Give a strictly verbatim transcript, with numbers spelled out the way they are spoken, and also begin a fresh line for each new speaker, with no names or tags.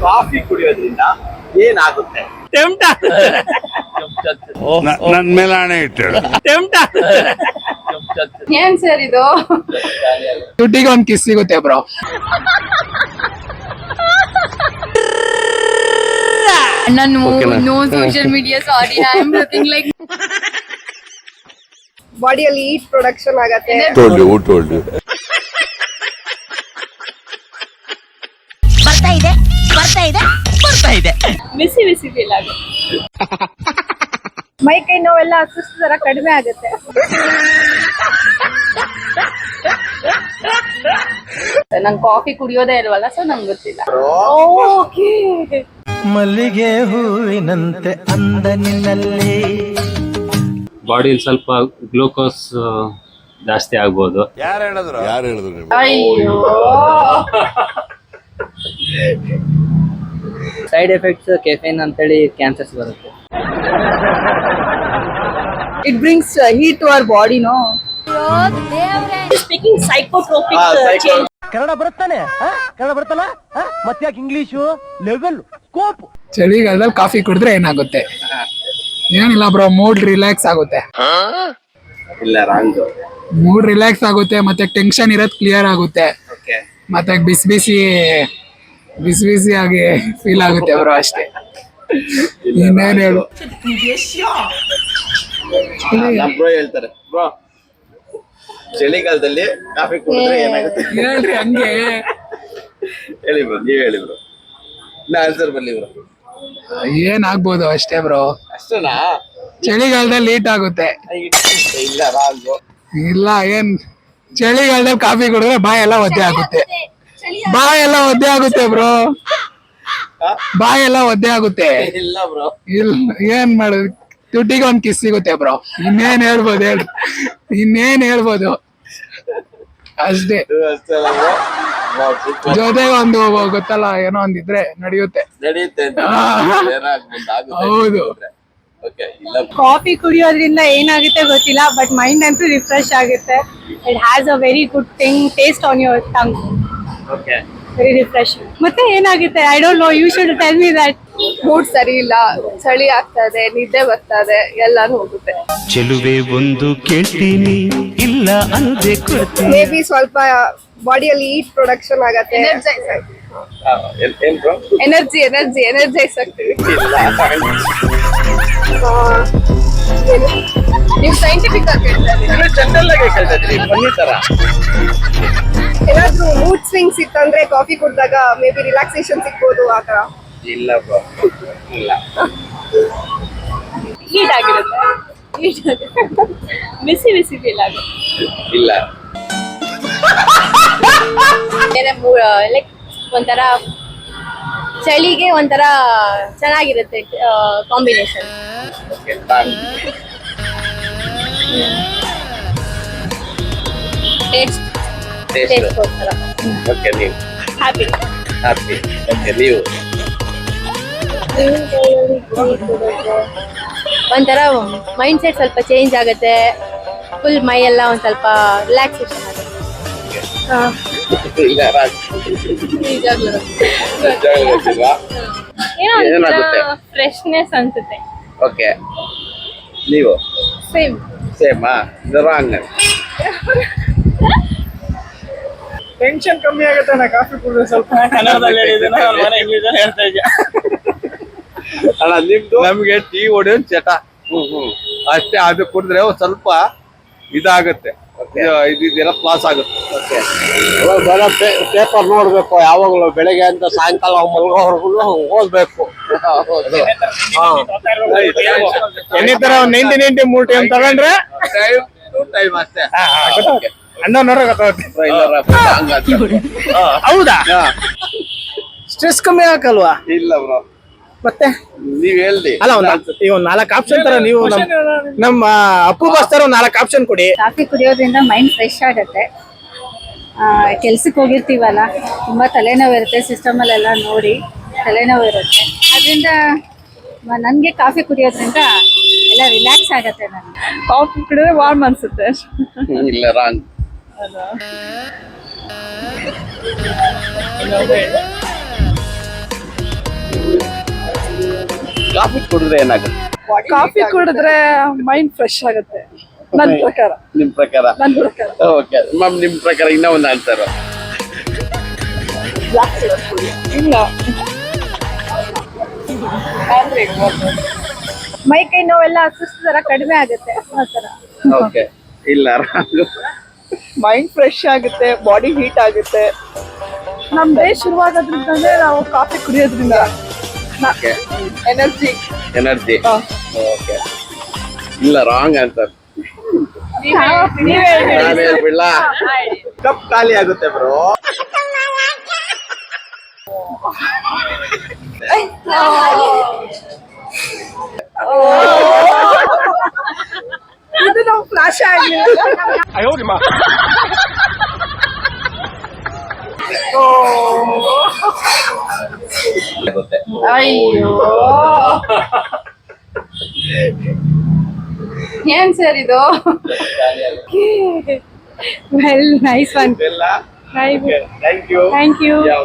Coffee ಕುಡಿಯೋದ್ರಿಂದ ಏನಾಗುತ್ತೆ?
ನನ್ ಮೇಲೆ ಹಣೆ ಇಟ್ಟು
ಏನ್ ಸರ್ ಇದು?
ದುಡ್ಡಿಗೆ ಒಂದ್ ಕಿಸ್ ಸಿಗುತ್ತೆ ಬ್ರೋ.
ನಾನು no social media, sorry. I am looking like
ಬಾಡಿಯಲ್ಲಿ ಹೀಟ್ ಪ್ರೊಡಕ್ಷನ್ ಆಗತ್ತೆ.
ಬರ್ತಾ ಇದೆ ಬರ್ತಾ ಇದೆ ಬರ್ತಾ ಇದೆ
ಬಿಸಿ ಬಿಸಿ ಫೀಲ್ ಆಗುತ್ತೆ.
ಮೈ ಕೈ ನೋವೆಲ್ಲ ಸುಸ್ತು ತರ ಕಡಿಮೆ ಆಗುತ್ತೆ.
ನಂಗೆ ಕಾಫಿ ಕುಡಿಯೋದೇ ಇಲ್ವಲ್ಲ, ಸೊ ನಂಗೆ ಗೊತ್ತಿಲ್ಲ. ಓಕೆ.
ಮಲ್ಲಿಗೆ ಹೂವಿನಂತೆ ಅಂದ ನಿನ್ನಲ್ಲಿ
ಬಾಡಿಯಲ್ಲಿ ಸ್ವಲ್ಪ ಗ್ಲೂಕೋಸ್ ಜಾಸ್ತಿ ಆಗ್ಬೋದು.
ಯಾರು ಹೇಳಿದ್ರು ಯಾರು ಹೇಳಿದ್ರು ನೀವು?
ಅಯ್ಯೋ,
ಸೈಡ್ ಎಫೆಕ್ಟ್ಸ್ ಕೆಫೆನ್ ಅಂತೇಳಿ ಕ್ಯಾನ್ಸರ್ಸ್ ಬರುತ್ತೆ.
It brings heat to our body, no?
Speaking psychotropic change.
Kannada ಬರುತ್ತಾನೆ, ಕನ್ನಡ ಬರುತ್ತಲ್ಲ, ಮತ್ತ್ಯಾಕೆ ಇಂಗ್ಲಿಷು ಲೆವೆಲ್ ಕೋಪ್.
ಚಳಿಗಾಲದಲ್ಲಿ ಕಾಫಿ ಕುಡಿದ್ರೆ ಏನಾಗುತ್ತೆ? ಏನಿಲ್ಲ ಬ್ರೋ, ಮೂಡ್ ರಿಲ್ಯಾಕ್ಸ್ ಆಗುತ್ತೆ.
ಇಲ್ಲ, ರಾಂಗ್.
ಮೂಡ್ ರಿಲ್ಯಾಕ್ಸ್ ಆಗುತ್ತೆ, ಮತ್ತೆ ಟೆನ್ಷನ್ ಇರೋದ್ ಕ್ಲಿಯರ್ ಆಗುತ್ತೆ, ಮತ್ತೆ ಬಿಸಿ ಬಿಸಿ ಬಿಸಿ ಬಿಸಿ ಆಗಿ ಫೀಲ್ ಆಗುತ್ತೆ ಬ್ರೋ, ಅಷ್ಟೇ. ಇನ್ನೇನ್ ಹೇಳು?
ಬ್ರೋ ಹೇಳ್ತಾರೆ, ಬ್ರೋ ಚಳಿಗಾಲದಲ್ಲಿ ಕಾಫಿ ಕುಡಿದ್ರೆ ಏನಾಗುತ್ತೆ
ಹೇಳ್ರಿ ಹಂಗೆ.
ಹೇಳಿ ಬ್ರೋ, ನೀವ್ ಹೇಳಿ ಬ್ರೋ. ನಾ ಆನ್ಸರ್ ಬರ್ಲಿ ಬ್ರೋ.
ಏನಾಗ್ಬೋದು ಅಷ್ಟೇ ಬ್ರೋ.
ಅಷ್ಟೇನಾ?
ಚಳಿಗಾಲದಲ್ಲಿ ಲೀಟ್ ಆಗುತ್ತೆ.
ಇಲ್ಲ, ರಾಂಗ್.
ಇಲ್ಲ, ಏನ್ ಚಳಿಗಾಲದಲ್ಲಿ ಕಾಫಿ ಕುಡಿದ್ರೆ ಬಾಯ್ ಎಲ್ಲ ಒದ್ದೆ ಆಗುತ್ತೆ. ಬಾಯ್ ಎಲ್ಲ ಒದ್ದೆ ಆಗುತ್ತೆ ಬ್ರೋ, ಬಾಯ್ ಎಲ್ಲ ಒದ್ದೆ ಆಗುತ್ತೆ.
ಇಲ್ಲ ಬ್ರೋ.
ಇಲ್ಲ, ಏನ್ ಮಾಡೋದು? ದುಡ್ಡಿಗೆ ಒಂದ್ ಕಿಸ್ ಸಿಗುತ್ತೆ ಬ್ರೋ. ಇನ್ನೇನ್ ಹೇಳ್ಬೋದು ಹೇಳಿ? ಇನ್ನೇನ್ ಹೇಳ್ಬೋದು? ಅಷ್ಟೇ. ಜೊತೆಗೆ ಒಂದು ಗೊತ್ತಲ್ಲ, ಏನೋ ಒಂದಿದ್ರೆ ನಡೆಯುತ್ತೆ.
ನಡೆಯುತ್ತೆ.
ಹೌದು.
ಕಾಫಿ ಕುಡಿಯೋದ್ರಿಂದ ಏನಾಗುತ್ತೆ ಗೊತ್ತಿಲ್ಲ, ಬಟ್ ಮೈಂಡ್ ಅಂತೂ ರಿಫ್ರೆಶ್ ಆಗುತ್ತೆ. It has a very good thing taste on your tongue.
Okay.
Very refresh. ಮತ್ತೆ ಏನಾಗುತ್ತೆ? I don't know, you should tell me that. Mood ಸರಿ ಇಲ್ಲ, ಚಳಿ ಆಗ್ತದೆ, ನಿದ್ದೆ ಬರ್ತದೆ, ಎಲ್ಲಾನು ಹೋಗುತ್ತೆ.
ಚೆಲುವೆ ಒಂದು ಕೇಳ್ತೀನಿ, ಇಲ್ಲ ಅಂದೆ ಕೊಡ್ತೀನಿ.
ಮೇ ಬಿ ಸ್ವಲ್ಪ ಬಾಡಿಯಲ್ಲಿ ಹೀಟ್ ಪ್ರೊಡಕ್ಷನ್ ಆಗತ್ತೆ.
ಏನ್ ಬ್ರೋ?
ಎನರ್ಜಿ ಎನರ್ಜಿ ಎನರ್ಜೈಸ್ ಆಗ್ತೀವಿ. ನೀವು ಸೈಂಟಿಫಿಕ್ ಆಗಿ ಹೇಳ್ತಾ ಇದ್ದೀರಾ?
ಜನರಲ್ ಆಗಿ ಕೇಳ್ತಾ ಇದ್ರಿ, ಬನ್ನಿ ತರ.
ಏನಾದ್ರೂ ಮೂಡ್ ಸ್ವಿಂಗ್ಸ್ ಇತ್ತಂದ್ರೆ ಕಾಫಿ ಕುಡಿದಾಗ ಮೇ ಬಿ ರಿಲ್ಯಾಕ್ಸೇಷನ್ ಸಿಗ್ಬೋದು, ಆ ತರ.
ಇಲ್ಲ ಬ್ರೋ, ಇಲ್ಲ.
ಹೀಟ್ ಆಗಿರುತ್ತೆ, ಹೀಟ್ ಆಗುತ್ತೆ, ಬಿಸಿ ಬಿಸಿ ಫೀಲ್ ಆಗುತ್ತೆ.
ಇಲ್ಲ.
ಲೈಕ್ ಒಂಥರ ಚಳಿಗೆ ಒಂಥರ ಚೆನ್ನಾಗಿರುತ್ತೆ ಕಾಂಬಿನೇಷನ್. ಟೇಸ್ಟ್ ಟೇಸ್ಟ್ ಒಂಥರ
ಓಕೆ. ನೀವು
ಹ್ಯಾಪಿ
ಹ್ಯಾಪಿ. ಓಕೆ. ನೀವು
ಒಂಥರ ಮೈಂಡ್ ಸೆಟ್ ಸ್ವಲ್ಪ ಚೇಂಜ್ ಆಗುತ್ತೆ, ಫುಲ್ ಮೈ ಎಲ್ಲ ಒಂದ್ ಸ್ವಲ್ಪ ರಿಲ್ಯಾಕ್ಸೇಷನ್ ಆಗುತ್ತೆ.
ಇಲ್ಲ, ರಾಂಗ್.
ಏನೋ ಫ್ರೆಶ್ನೆಸ್ ಅನ್ಸುತ್ತೆ.
ಓಕೆ. ನೀವು
ಸೇಮ್
ಸೇಮಾ? ರಾಂಗ್.
ಟೆನ್ಷನ್ ಕಮ್ಮಿ ಆಗುತ್ತೆ ನಾ ಕಾಫಿ ಕುಡಿದ್ರೆ ಸ್ವಲ್ಪ.
ಕನ್ನಡದಲ್ಲಿ ಹೇಳಿದ್ರೆ ಇಂಗ್ಲಿಷ್ ಹೇಳ್ತಾ ಇದ್ಯಾ?
ಅಲ್ಲ, ನಿಮ್ದು
ನಮ್ಗೆ ಟೀ ಹೊಡೆಯೋದ್ ಚಟ ಅಷ್ಟೇ. ಅದು ಕುಡಿದ್ರೆ ಒಂದ್ ಸ್ವಲ್ಪ ಇದಾಗುತ್ತೆ, ಇದೆಲ್ಲ ಪ್ಲಾಸ್ ಆಗುತ್ತೆ.
ಪೇಪರ್ ನೋಡ್ಬೇಕು ಯಾವಾಗಲೂ, ಬೆಳಗ್ಗೆ ಅಂತ ಸಾಯಂಕಾಲ ಮಲ್ಗೋವರೆಗೂ ಓದ್ಬೇಕು.
ಎಣ್ಣೆ ತರ ಒಂದ್ ನೈಂಟಿ ನೈಂಟಿ ಮೂರ್ ಟೈಮ್ ತಗೊಂಡ್ರೆ
ಟೈಮ್ ಟು ಟೈಮ್ ಅಷ್ಟೇ.
ಅಣ್ಣ ನೋಡ್ರೆ ಗೊತ್ತಾಗುತ್ತೆ.
ಹೌದಾ? ಸ್ಟ್ರೆಸ್ ಕಮ್ಮಿ ಆಗಲ್ವಾ?
ಇಲ್ಲ ಬ್ರೋ.
ಮತ್ತೆ
ನೀವ್ ಹೇಳ್ದಿ.
ಅಲ್ಲ, ಈಗ ಒಂದ್ ನಾಲ್ಕು ಆಪ್ಷನ್ ತರ ನೀವು ನಮ್ಮ ಅಪ್ಪು ಬಾಸ್ ತರ ಒಂದ್ ನಾಲ್ಕು ಆಪ್ಷನ್ ಕೊಡಿ.
ಕಾಫಿ ಕುಡಿಯೋದ್ರಿಂದ ಮೈಂಡ್ ಫ್ರೆಶ್ ಆಗುತ್ತೆ. ಕೆಲ್ಸಕ್ಕೆ ಹೋಗಿರ್ತೀವಲ್ಲ, ತುಂಬಾ ತಲೆನೋವು ಇರುತ್ತೆ, ಸಿಸ್ಟಮ್ ಅಲ್ಲೆಲ್ಲ ನೋಡಿ ತಲೆನೋವು ಇರುತ್ತೆ. ಅದರಿಂದ ನನ್ಗೆ ಕಾಫಿ ಕುಡಿಯೋದ್ರಿಂದ ಎಲ್ಲ ರಿಲ್ಯಾಕ್ಸ್ ಆಗತ್ತೆ. ನನ್ಗೆ ಕಾಫಿ ಕುಡಿದ್ರೆ ವಾರ್ಮ್ ಅನ್ಸುತ್ತೆ.
ಇಲ್ಲ, ರಾಂಗ್.
ಕಾಫಿ ಕುಡಿದ್ರೆ ಏನಾಗುತ್ತೆ?
ಕಾಫಿ ಕುಡಿದ್ರೆ ಮೈಂಡ್ ಫ್ರೆಶ್ ಆಗುತ್ತೆ ನನ್ ಪ್ರಕಾರ
ನಿಮ್ ಪ್ರಕಾರ?
ನನ್ ಪ್ರಕಾರ
ಓಕೆ ಮ್ಯಾಮ್, ನಿಮ್ ಪ್ರಕಾರ ಇನ್ನೂ ಒಂದು ಆನ್ಸರ್.
ಇಲ್ಲ
ಮೈ ಕೈ ನೋವೆಲ್ಲ ಸುಸ್ತು ತರ ಕಡಿಮೆ ಆಗುತ್ತೆ ಆ ತರ.
ಓಕೆ ಇಲ್ಲ
ಮೈಂಡ್ ಫ್ರೆಶ್ ಆಗುತ್ತೆ, ಬಾಡಿ ಹೀಟ್ ಆಗುತ್ತೆ. ನಮ್ ಡೇ ಶುರುವಾಗೋದ್ರಿಂದಲೇ ನಾವು ಕಾಫಿ ಕುಡಿಯೋದ್ರಿಂದ ಎನರ್ಜಿ.
ಎನರ್ಜಿ. ಓಕೆ ಇಲ್ಲ, ರಾಂಗ್ ಆನ್ಸರ್. ನಾನು ಹೇಳ್ಬಿಡ್ಲ? ಕಪ್ ಖಾಲಿ ಆಗುತ್ತೆ ಬ್ರೋ.
ಇದು ನಾವು ಫ್ಲಾಶ್ ಆಗ್ಲಿಲ್ಲ.
ಆಗುತ್ತೆ.
ಅಯ್ಯೋ ಏನ್ ಸರ್ ಇದು? Well nice one.
ಎಲ್ಲ
ಥ್ಯಾಂಕ್
ಥ್ಯಾಂಕ್ ಯು.
ಯು.